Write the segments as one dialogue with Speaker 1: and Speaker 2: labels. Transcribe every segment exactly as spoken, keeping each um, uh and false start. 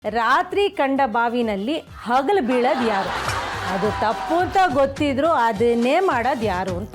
Speaker 1: ರಾತ್ರಿ ಕಂಡ ಬಾವಿನಲ್ಲಿ ಹಗಲು ಬೀಳೋದು ಯಾರು? ಅದು ತಪ್ಪು ಅಂತ ಗೊತ್ತಿದ್ರು ಅದನ್ನೇ ಮಾಡೋದು ಯಾರು ಅಂತ.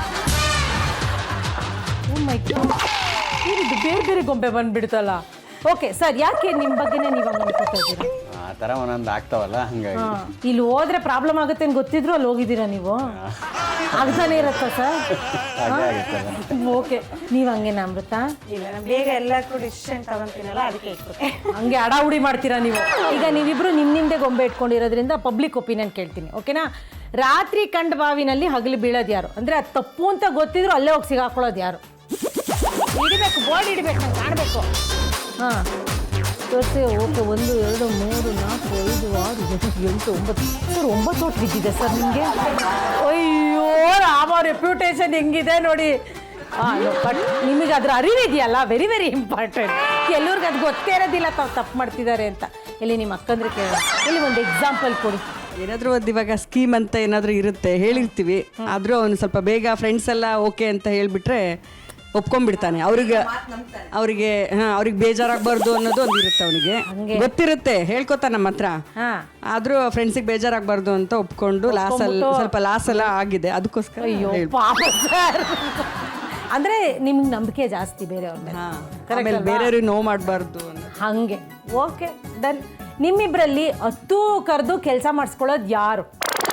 Speaker 1: ಇದು ಬೇರೆ ಬೇರೆ ಗೊಂಬೆ ಬಂದ್ಬಿಡ್ತಲ್ಲ. ಓಕೆ ಸರ್, ಯಾಕೆ ನಿಮ್ಮ ಬಗ್ಗೆನೇ ನೀವು ಹಂಗೆ ಅನ್ಕೋತಾ ಇದ್ದೀರಾ?
Speaker 2: ಆ ಥರ ಒಂದೊಂದು ಆಗ್ತಾವಲ್ಲ ಹಂಗಾಗಿ.
Speaker 1: ಇಲ್ಲಿ ಹೋದ್ರೆ ಪ್ರಾಬ್ಲಮ್ ಆಗುತ್ತೆ ಅಂತ ಗೊತ್ತಿದ್ರು ಅಲ್ಲಿ ಹೋಗಿದ್ದೀರಾ ನೀವು? ಆಗ್ತಾನೆ ಇರತ್ತಾ ಸರ್? ಓಕೆ, ನೀವು ಹಂಗೇನ ಅಮೃತ?
Speaker 3: ಇಲ್ಲ, ಬೇಗ ಎಲ್ಲಕ್ಕೂ ಡಿಸಿಷನ್ ತಗೊಂತೀನಲ್ಲ ಅದಕ್ಕೆ ಇಟ್ಬಿಟ್ಟೆ.
Speaker 1: ಹಂಗೆ ಅಡಾವುಡಿ ಮಾಡ್ತೀರಾ ನೀವು? ಈಗ ನೀವಿಬ್ರು ನಿಮ್ಮ ನಿಮ್ಮದೇ ಗೊಂಬೆ ಇಟ್ಕೊಂಡಿರೋದ್ರಿಂದ ಪಬ್ಲಿಕ್ ಒಪಿನಿಯನ್ ಕೇಳ್ತೀನಿ, ಓಕೆನಾ? ರಾತ್ರಿ ಕಂಡ ಬಾವಿನಲ್ಲಿ ಹಗಲು ಬೀಳೋದು ಯಾರು ಅಂದರೆ ಅದು ತಪ್ಪು ಅಂತ ಗೊತ್ತಿದ್ರು ಅಲ್ಲೇ ಹೋಗಿ ಸಿಗಾಕೊಳ್ಳೋದು ಯಾರು? ಹಿಡಿಬೇಕು, ಬೋರ್ಡ್ ಹಿಡಿಬೇಕು, ನಂಗೆ ಕಾಣಬೇಕು. ಹಾಂ ತೋರಿಸಿ. ಓಕೆ, ಒಂದು ಎರಡು ಮೂರು ನಾಲ್ಕು ಐದು ಆರು ಏಳು ಎಂಟು ಒಂಬತ್ತು ಸರ್, ಒಂಬತ್ತು ಓಟ್ ಬಿದ್ದಿದೆ ಸರ್ ನಿಮಗೆ. ಅಯ್ಯೋ ರಾಮ, ರೆಪ್ಯೂಟೇಷನ್ ಹೆಂಗಿದೆ ನೋಡಿ. ಹಾಂ, ಬಟ್ ನಿಮಗೆ ಅದ್ರ ಅರಿವಿದೆಯಲ್ಲ, ವೆರಿ ವೆರಿ ಇಂಪಾರ್ಟೆಂಟ್. ಎಲ್ಲರಿಗೂ ಅದು ಗೊತ್ತೇ ಇರೋದಿಲ್ಲ ತಾವು ತಪ್ಪು ಮಾಡ್ತಿದ್ದಾರೆ ಅಂತ. ಇಲ್ಲಿ ನಿಮ್ಮ ಅಕ್ಕಂದ್ರೆ ಕೇಳ, ಇಲ್ಲಿ ಒಂದು ಎಕ್ಸಾಂಪಲ್ ಕೊಡಿ.
Speaker 4: ಏನಾದರೂ ಒಂದು ಇವಾಗ ಸ್ಕೀಮ್ ಅಂತ ಏನಾದರೂ ಇರುತ್ತೆ, ಹೇಳಿರ್ತೀವಿ, ಆದರೂ ಅವನು ಸ್ವಲ್ಪ ಬೇಗ ಫ್ರೆಂಡ್ಸ್ ಎಲ್ಲ ಓಕೆ ಅಂತ ಹೇಳಿಬಿಟ್ರೆ ಒಪ್ಕೊಂಡ್ಬಿಡ್ತಾನೆ. ಅವ್ರಿಗೆ ಅವರಿಗೆ ಹಾಂ ಅವ್ರಿಗೆ ಬೇಜಾರಾಗಬಾರ್ದು ಅನ್ನೋದು ಒಂದು ಇರುತ್ತೆ. ಅವನಿಗೆ ಗೊತ್ತಿರುತ್ತೆ, ಹೇಳ್ಕೊತಾನೆ ನಮ್ಮ ಹತ್ರ. ಆದರೂ ಫ್ರೆಂಡ್ಸಿಗೆ ಬೇಜಾರಾಗಬಾರ್ದು ಅಂತ ಒಪ್ಕೊಂಡು ಲಾಸಲ್ಲಿ ಸ್ವಲ್ಪ ಲಾಸ್ ಎಲ್ಲ ಆಗಿದೆ. ಅದಕ್ಕೋಸ್ಕರ
Speaker 1: ಅಯ್ಯೋ ಪಾಪ ಸರ್. ಅಂದರೆ ನಿಮ್ಗೆ ನಂಬಿಕೆ ಜಾಸ್ತಿ ಬೇರೆಯವ್ರನ್ನ.
Speaker 4: ಆಮೇಲೆ ಬೇರೆಯವ್ರಿಗೆ ನೋವು ಮಾಡಬಾರ್ದು
Speaker 1: ಹಾಗೆ. Okay done. ನಿಮ್ಮಿಬ್ಬರಲ್ಲಿ ಹತ್ತು ಕರೆದು ಕೆಲಸ ಮಾಡಿಸ್ಕೊಳ್ಳೋದು ಯಾರು?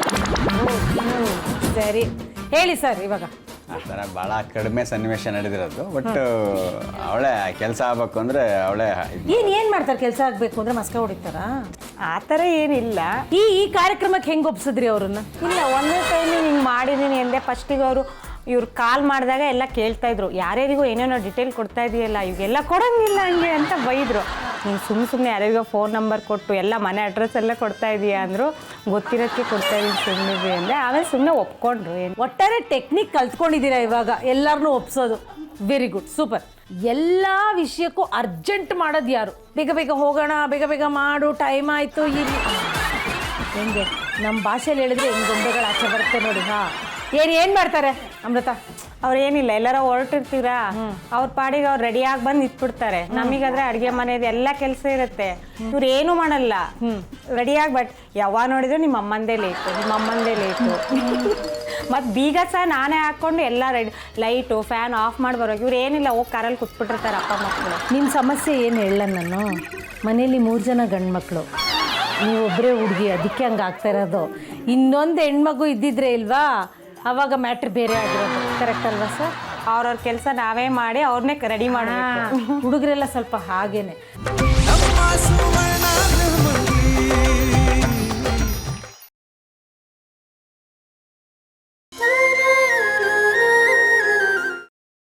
Speaker 1: ಸರಿ ಹೇಳಿ ಸರ್. ಇವಾಗ
Speaker 2: ಆ ಥರ ಭಾಳ ಕಡಿಮೆ ಸನ್ನಿವೇಶ ನಡೆದಿರೋದು. ಬಟ್ ಅವಳೇ ಕೆಲಸ ಆಗ್ಬೇಕು ಅಂದರೆ ಅವಳೇ
Speaker 1: ಏನು ಏನು ಮಾಡ್ತಾರೆ? ಕೆಲಸ ಆಗಬೇಕು ಅಂದರೆ ಮಸ್ಕ ಹೊಡಿತಾರಾ?
Speaker 3: ಆ ಥರ ಏನಿಲ್ಲ.
Speaker 1: ಈ ಈ ಕಾರ್ಯಕ್ರಮಕ್ಕೆ ಹೆಂಗೆ ಒಪ್ಸಿದ್ರಿ ಅವ್ರನ್ನ?
Speaker 3: ಇಲ್ಲ, ಒಂದೇ ಟೈಮ್ ಹಿಂಗೆ ಮಾಡಿದ್ದೀನಿ ಎಂದೆ. ಫಸ್ಟಿಗೆ ಅವರು ಇವ್ರು ಕಾಲ್ ಮಾಡಿದಾಗ ಎಲ್ಲ ಕೇಳ್ತಾ ಇದ್ರು, ಯಾರ್ಯಾರಿಗೂ ಏನೇನೋ ಡಿಟೇಲ್ ಕೊಡ್ತಾ ಇದೆಯಲ್ಲ, ಇವಾಗೆಲ್ಲ ಕೊಡೋಂಗಿಲ್ಲ ಹಂಗೆ ಅಂತ ಬೈದರು. ನೀನು ಸುಮ್ಮನೆ ಸುಮ್ಮನೆ ಯಾರಿಗೋ ಫೋನ್ ನಂಬರ್ ಕೊಟ್ಟು ಎಲ್ಲ ಮನೆ ಅಡ್ರೆಸ್ ಎಲ್ಲ ಕೊಡ್ತಾ ಇದೀಯಾ ಅಂದರು. ಗೊತ್ತಿರೋಕ್ಕೆ ಕೊಡ್ತಾ ಇದ್ದೀನಿ ಸುಮ್ಮನೆ ಅಂದೆ. ಆಮೇಲೆ ಸುಮ್ಮನೆ ಒಪ್ಕೊಂಡ್ರು. ಏನು
Speaker 1: ಒಟ್ಟಾರೆ ಟೆಕ್ನಿಕ್ ಕಲ್ತ್ಕೊಂಡಿದ್ದೀರಾ ಇವಾಗ ಎಲ್ಲರನ್ನೂ ಒಪ್ಸೋದು. Very good, super. ಎಲ್ಲ ವಿಷಯಕ್ಕೂ ಅರ್ಜೆಂಟ್ ಮಾಡೋದು ಯಾರು? ಬೇಗ ಬೇಗ ಹೋಗೋಣ, ಬೇಗ ಬೇಗ ಮಾಡು, ಟೈಮ್ ಆಯಿತು. ಇಲ್ಲಿ ಹೆಂಗೆ ನಮ್ಮ ಭಾಷೆಯಲ್ಲಿ ಹೇಳಿದ್ರೆ ಹೆಂಗೆ ಗೊಂಬೆಗಳು ಆಚೆ ಬರುತ್ತೆ ನೋಡಿ. ಹಾಂ, ಏನು ಏನು ಮಾಡ್ತಾರೆ ಅಮೃತ?
Speaker 3: ಅವ್ರು ಏನಿಲ್ಲ, ಎಲ್ಲಾರ ಹೊರಟಿರ್ತೀರಾ, ಅವ್ರ ಪಾಡಿಗೆ ಅವ್ರು ರೆಡಿಯಾಗಿ ಬಂದು ನಿಂತ್ಬಿಡ್ತಾರೆ. ನಮಗಾದ್ರೆ ಅಡುಗೆ ಮನೆಯದು ಎಲ್ಲ ಕೆಲಸ ಇರುತ್ತೆ, ಇವ್ರು ಏನೂ ಮಾಡಲ್ಲ. ರೆಡಿಯಾಗಿ ಬಟ್ ಯಾವಾಗ ನೋಡಿದ್ರು ನಿಮ್ಮ ಅಮ್ಮಂದೇ ಲೇಟು, ನಿಮ್ಮ ಅಮ್ಮಂದೇ ಲೇಟು. ಮತ್ತು ಬೀಗ ಸಹ ನಾನೇ ಹಾಕ್ಕೊಂಡು ಎಲ್ಲ ರೆಡಿ, ಲೈಟು ಫ್ಯಾನ್ ಆಫ್ ಮಾಡಿ ಬರೋಕೆ. ಇವ್ರು ಏನಿಲ್ಲ, ಹೋಗಿ ಕಾರಲ್ಲಿ ಕುತ್ಬಿಟ್ಟಿರ್ತಾರೆ ಅಪ್ಪ ಮಕ್ಕಳು.
Speaker 1: ನಿಮ್ಮ ಸಮಸ್ಯೆ ಏನು ಹೇಳ ನಾನು? ಮನೇಲಿ ಮೂರು ಜನ ಗಂಡು ಮಕ್ಕಳು, ನೀವೊಬ್ಬರೇ ಹುಡುಗಿ, ಅದಕ್ಕೆ ಹಂಗೆ ಆಗ್ತಾ ಇರೋದು. ಇನ್ನೊಂದು ಹೆಣ್ಮಗು ಇದ್ದಿದ್ರೆ ಇಲ್ವಾ, ಆವಾಗ ಮ್ಯಾಟ್ರ್ ಬೇರೆ ಆಗಿರೋದು. ಕರೆಕ್ಟ್ ಅಲ್ವಾ ಸರ್?
Speaker 3: ಅವ್ರವ್ರ ಕೆಲಸ ನಾವೇ ಮಾಡಿ ಅವ್ರನ್ನೇ ರೆಡಿ ಮಾಡಿ.
Speaker 1: ಹುಡುಗರೆಲ್ಲ ಸ್ವಲ್ಪ ಹಾಗೇನೆ.